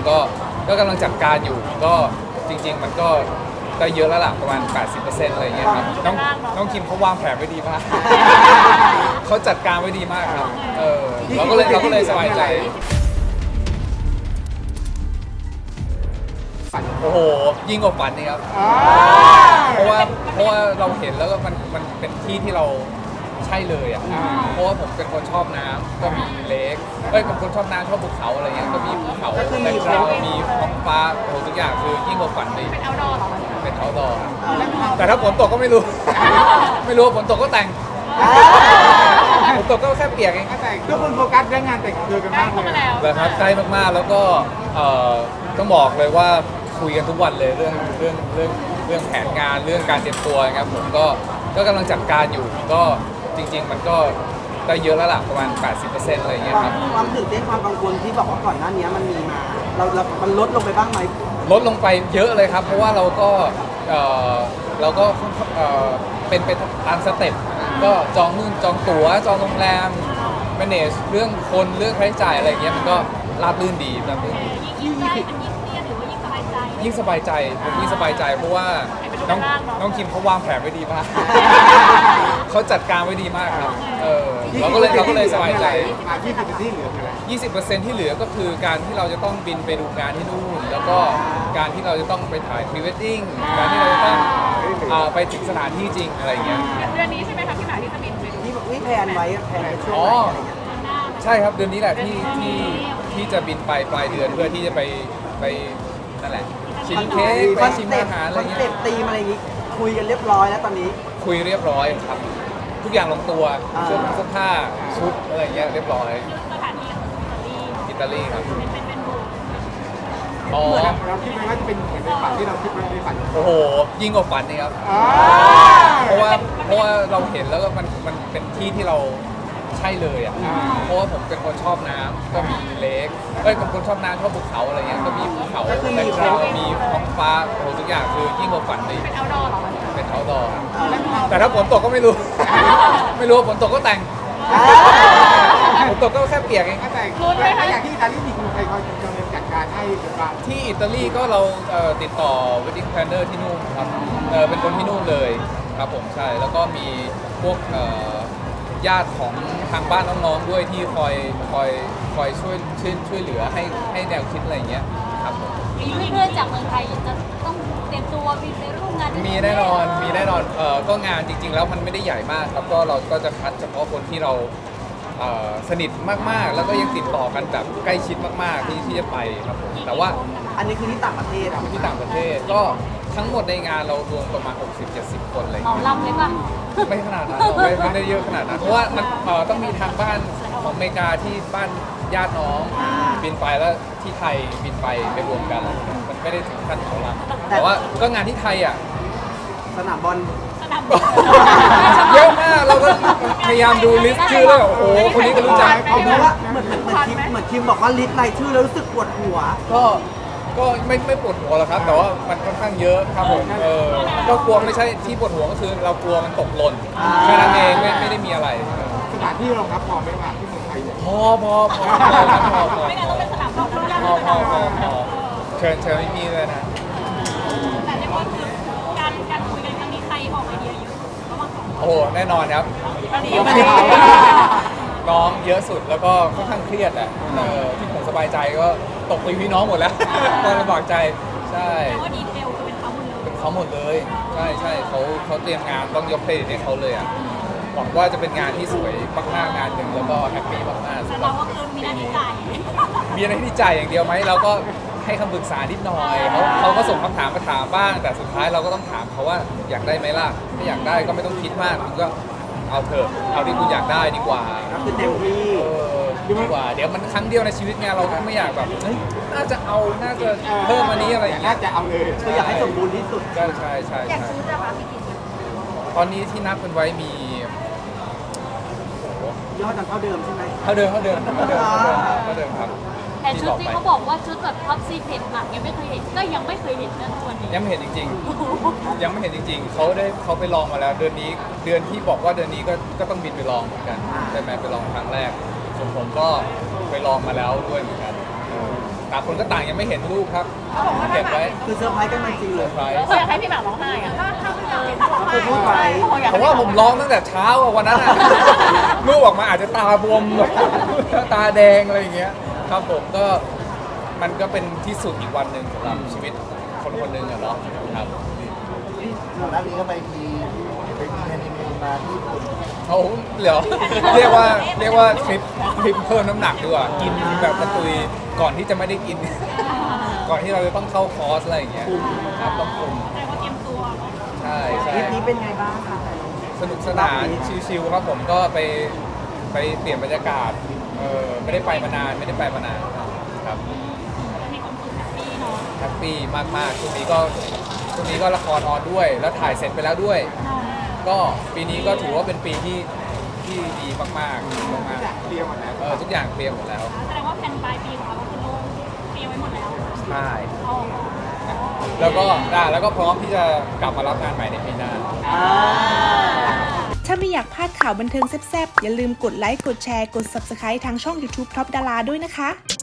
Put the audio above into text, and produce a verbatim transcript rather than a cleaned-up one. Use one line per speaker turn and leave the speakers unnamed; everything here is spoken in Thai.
ก็ก็กำลังจัดการอยู่ก็จริงๆมันก็ได้เยอะแล้วล่ะประมาณ แปดสิบเปอร์เซ็นต์ อะไรอย่างเงี้ยครับน้องน้องคิมเขาวางแผนไว้ดีมาก เขาจัดการไว้ดีมากครับเออเราก็เลยเราก็เลยสบายใจโอ้โหยิ่งกว่าฝันนี่ครับเพราะว่าเพราะว่าเราเห็นแล้วก็มันมันเป็นที่ที่เราใช่เลยอ่ะเพราะว่าผมเป็นคนชอบน้ำก็มีเลคเอ้ยเป็นคนชอบน้ำชอบภูเขาอะไรเงี้ยก็มีภูเขาแบ็คกราวด์มีท้องฟ้าโอ้โหทุกอย่างคือยิ่งกว่าฝันเลยเป็นเอาดอร์หรอเป็นเอาดอร์แต่ถ้าฝนตกก็ไม่รู้ ไม่รู้ฝนตกก็แต่งฝนตกก็แค่เปียกเองแต่ง
ทุกคนโฟกัสเรื่องงานแต่งตัวกันมากเลย
เลยครับใกล้มากๆแล้วก็เอ่อต้องบอกเลยว่าคุยกันทุกวันเลยเรื่องเรื่องเรื่องเรื่องแผนงานเรื่องการเตรียมตัวนะครับผมก็ก็กำลังจัดการอยู่ก็จริงๆมันก็ได้เยอะแล้วล่ะประมาณ แปดสิบเปอร์เซ็นต์ อะไรอย่างเงี้ยครับ
ความตื่นเต้นความกังวลที่บอกว่าก่อนหน้านี้มันมีมาเราเรามันลดลงไปบ้างไหม
ลดลงไปเยอะเลยครับ เพราะว่าเราก็เอ่อเราก็เอ่อเป็นไปตามสเต็ปก็จองนู่นจองตั๋วจองโรงแรม manage เรื่องคนเรื่องค่าใช้จ่ายอะไรอย่างเงี้ยมันก็ราบรื่นดีราบรื่นดี
ยิ่งได้มันยิ่งเครียดหรือว่ายิ่งสบายใจ
ยิ่งสบายใจผมยิ่งสบายใจเพราะว่าน้องน้องคิมเขาวางแผนไว้ดีมาก เขาจัดการไว้ดีมากครับเออเราก็เลยเราก็เลยสบายใจ
ยี่สิบเปอร์เซ็นต์ที่เหลือคืออะไร
ยี่สิบเปอร์เซ็นต์ ที่เหลือก็คือการที่เราจะต้องบินไปดูงานที่นู่น แล้วก็การที่เราจะต้องไปถ่ายพรีเวดดิ้งการที่เราจะต้องอ่าไปถึงสถานที่จริงอะไรอย่างเงี้ย
เดือนนี้ใช่ไหมคะพี่หมายที่จะบินไปดู
ที่ที่แพลนไว้แพลนไว้ช่วง
อ๋อ
ไหนอะไรเงี้ย
ใช่ครับเดือนนี้แหละที่ที่ที่จะบินไปปลายเดือนเพื่อที่จะไปไปนั่นแหละชิมเค้กไปชิมอาหารอะไร
คอน
เงี้
เซ็ป
ย
ต์ธีมอะไรอย่างงี้คุยกันเรียบร้อยแล้วตอนนี้
คุยเรียบร้อยครับ ทุกอย่างลงตัว
อ่า
เสื้อเสื้อผ้าชุดอะไรเงี้ยเรียบร้อย
สถานที่ของอิตาลี
อิตาลีครับ
เป็นเป็นเป็นบู
อ๋อ
เราคิดไหมว่าจะเป็นเหมือนในฝันที่เราคิดไว้ในฝัน
โอ้โหยิ่งกว่าฝันนี่ครับ
อ่า
เพราะว่าเพราะว่าเราเห็นแล้วก็มันมันเป็นที่ที่เราใช่เลยอ่ะเพราะว่าผมเป็นคนชอบน้ำก็มีเลคเอ้ยเป็นคนชอบน้ำชอบภูเขาอะไรเงี้ยก็มีภูเขาแบ็คกราวด์มีท้องฟ้าโอ้โหทุกอย่างคือยิ่งกว่าฝันเลย
เป็นเอาดอร์หรอ
เป็นเอาดอร์แต่ถ้าฝนตกก็ไม่รู้ ไม่รู้ว่าฝนตกก็แต่งฝนตกก็แค่เปียกเอง
แต่งถ้าอย่างที่อิตาลีมีใครคอยดำเนินจัดการให้หรือเปล่า
ที่อิตาลีก็เราเอ่อติดต่อ wedding planner ที่นู่นครับเออเป็นคนที่นู่นเลยครับผมใช่แล้วก็มีพวกเอ่อญาติของทางบ้านน้องๆด้วยที่คอยคอยคอยช่วยช่วยช่วยเหลือให้ให้แนวคิดอะไรอย่างเงี้ยครับผม
มีเพื่อนๆจากเมืองไทยจะต้องเตรียมตัวบินไปร่วมงาน
มีแน่นอนมีแน่นอนเออก็งานจริงๆแล้วมันไม่ได้ใหญ่มากครับก็เราก็จะคัดเฉพาะคนที่เราเอ่อสนิทมากๆ แล้วก็ยังติดต่อกันแบบใกล้ชิดมากๆที่ที่จะไปครับผมแต่ว่า
อันนี้คือที่ต่างประเทศอ่ะ
ที่ต่างประเทศก็ทั้งหมดในงานเรารวมประมาณ หกสิบเจ็ดสิบ คนอะไรอย่าง
เหมา
เงี้ย
ลำเลยป่ะ
ไม่ขนาดนั้นหรอกไม่ไม่ได้เยอะขนาดนั้นเพราะว่ามันเอ่อต้องมีทางบ้านของอเมริกาที่บ้านญาติน้องบินไปแล้วที่ไทยบินไปไปรวมกันมันไม่ได้ถึงขั้นของเราแต่ว่าก็งานที่ไทยอ่ะ
สนามบอล
สนาม
เยอะมากเราก็พยายามดูลิสต์ชื่อแล้วโอ้โหคนนี้ก็รู้จัก
เพราะว่าเหมือนเหมือนเหมือนทีมเหมือนทีมบอกว่าลิสต์รายชื่อแล้วรู้สึกปวดหัว
ก็ก็ไม่ไม่ปวดหัวหรอกครับ แต่ว่ามันค่อนข้างเยอะครับผมเออก็กลัวไม่ใช่ที่ปวดหัวก็คือเรากลัวมันตกหล่นแค่นั้นเองไม่ไม่ได้มีอะไร
สถานที่รองรับพอไหมว่าที่เมืองไทยเนี่ย
พอพอพอพอพอพอ
ไม่งั้นต้องเป็นสนามรบแล้ว
พอพอพอพอเชิญเชิญไม่มีเลยนะ
แต่เรียกว่าคือการการคุยกันครั้งนี้ใครออกไอเดียเยอะระหว่างสองคน
โอ้โหแน่นอนครับ
ตอนนี้
น้องเยอะสุดแล้วก็ค่อนข้างเครียดอ่ะเออที่ผมสบายใจก็ตกไปพี่น้องหมดแล้ว ตอนลำบากใจใช่
แต่ว่าดีเทลคือเป็นเขาหมดเลย
เป็นเขาหมดเลยใช่ใช่เขาเขาเตรียมงานต้องยกเครดิตให้เขาเลยอ่ะหวังว่าจะเป็นงานที่สวยมากๆงานหนึ่งแล้วก็แฮปปี้มากๆ
แต่
สำหรั
เรา
บ
ก็คือมีหน้าที่จ่าย
มีอะไรที่จ่ายอย่างเดียวไหมเราก็ให้คำปรึกษานิดหน่อยเขาเขาก็ส่งคำถามมาถามบ้าง แต่สุดท้ายเราก็ต้องถามเขาว่าอยากได้ไหมล่ะถ้าอยากได้ก็ไม่ต้องคิดมากคุณก็เอาเถอะเอาที่คุณอยากได้ดีกว่า
คือเต็มที่
เออดีกว่าเดี๋ยวมันครั้งเดียวในชีวิตไงเราก็ไม่อยากแบบเฮ้ยน่าจะเอาน่าจะเพิ่มอันนี้อะไรอย่างเงี้
น่าย จะเอาเลย
คืออยากให้สมบูรณ์ที่สุด
ใช่ใช่ใช่
อยาก
ใช่
ซื้อจะมาพี่กิน
ตอนนี้ที่นับกันไว้มี
ยอดนั้นเท่าเดิมใช่ไหม
เท่าเดิมเท่าเดิมเท่าเดิมเท่าเดิมครับ
แต่ชุดที่เขาบอกว่าชุดแบบท็อปซีเพ็ดหนักยังไม่เคยเห็นก็ยังไม่เคยเห็นนะทุกวันนี้
ยังไม่เห็นจริง ๆ ยังไม่เห็นจริง ๆเขาได้เขาไปลองมาแล้ว เดือนนี้เดือนที่บอกว่าเดือนนี้ก็ก็ต้องบินไปลองเหมือนกันใช่ไหมไปลองครั้งแรกส่วนผมก็ไปลองมาแล้วด้วยเหมือนกันเออต่างคนก็ต่างยังไม่เห็นรูปครับเก็บไว้
คือเซอร์ไพรส์กันมาจริง
เซ
เล
อย ร์ไพรส์
เขาอยากให้พี่หมากร้องไห้อะถ้าถ้าพี่หมากเห็นร้องไห้
เขาพูดไว้
ผมว่าผมร้องตั้งแต่เช้าอะวันนั้นอะ รูปออกมาอาจจะตาบวมแบบตาแดงอะไรอย่างเงี้ยครับผมก็มันก็เป็นที่สุดอีกวันหนึ่งสำหรับชีวิตคนคนหนึ่งอะเนาะครับ
ก่อนหน้านี้ก็ไปมีไปมีแฮนนีมูนมาที่ญี่ปุ่น
เขาเหรอ เรียกว่าเรียกว่าทริปทริปเพิ่มน้ำหนักดีกว่ากินแบบกระตุยก่อนที่จะไม่ได้กิน ก่อนที่เราจะต้องเข้าคอร์สอะไรอย่างเงี้ยครับต้องคุม
แต่ว่าเตรียมตัวเนาะ
ใช่ใช่
ทริปนี้เป็นไงบ้างคะ
สนุกสนานชิลๆครับผมก็ไปไปเปลี่ยนบรรยากาศเออไม่ได้ไปมานานไม่ได้ไปมานานครับ
มีความสุขแฮปปี้เนาะ
แฮปปี้มากๆช่วงนี้ก็ช่วงนี้ก็ละครออนด้วย แล้วถ่ายเสร็จไปแล้วด้วย ก็ปีนี้ก็ถือว่าเป็นปีที่ที่ดีมากๆมาก
เตรียมหมดแล้ว
ๆเออทุกอย่างเคลียร์หมดแล้ว
แสดงว่าแผนปลายปีของเราก็คือโล่งเตรียมไว้หมดแล้ว
ใช่
อ๋อ
แล้วก็ได้แล้วก็พร้อมที่จะกลับมารับงานใหม่ในปีหน้า
ถ้าไม่อยากพลาดข่าวบันเทิงแซ่บๆ อย่าลืมกดไลค์ กดแชร์ กด Subscribe ทางช่อง YouTube Top Dara ด้วยนะคะ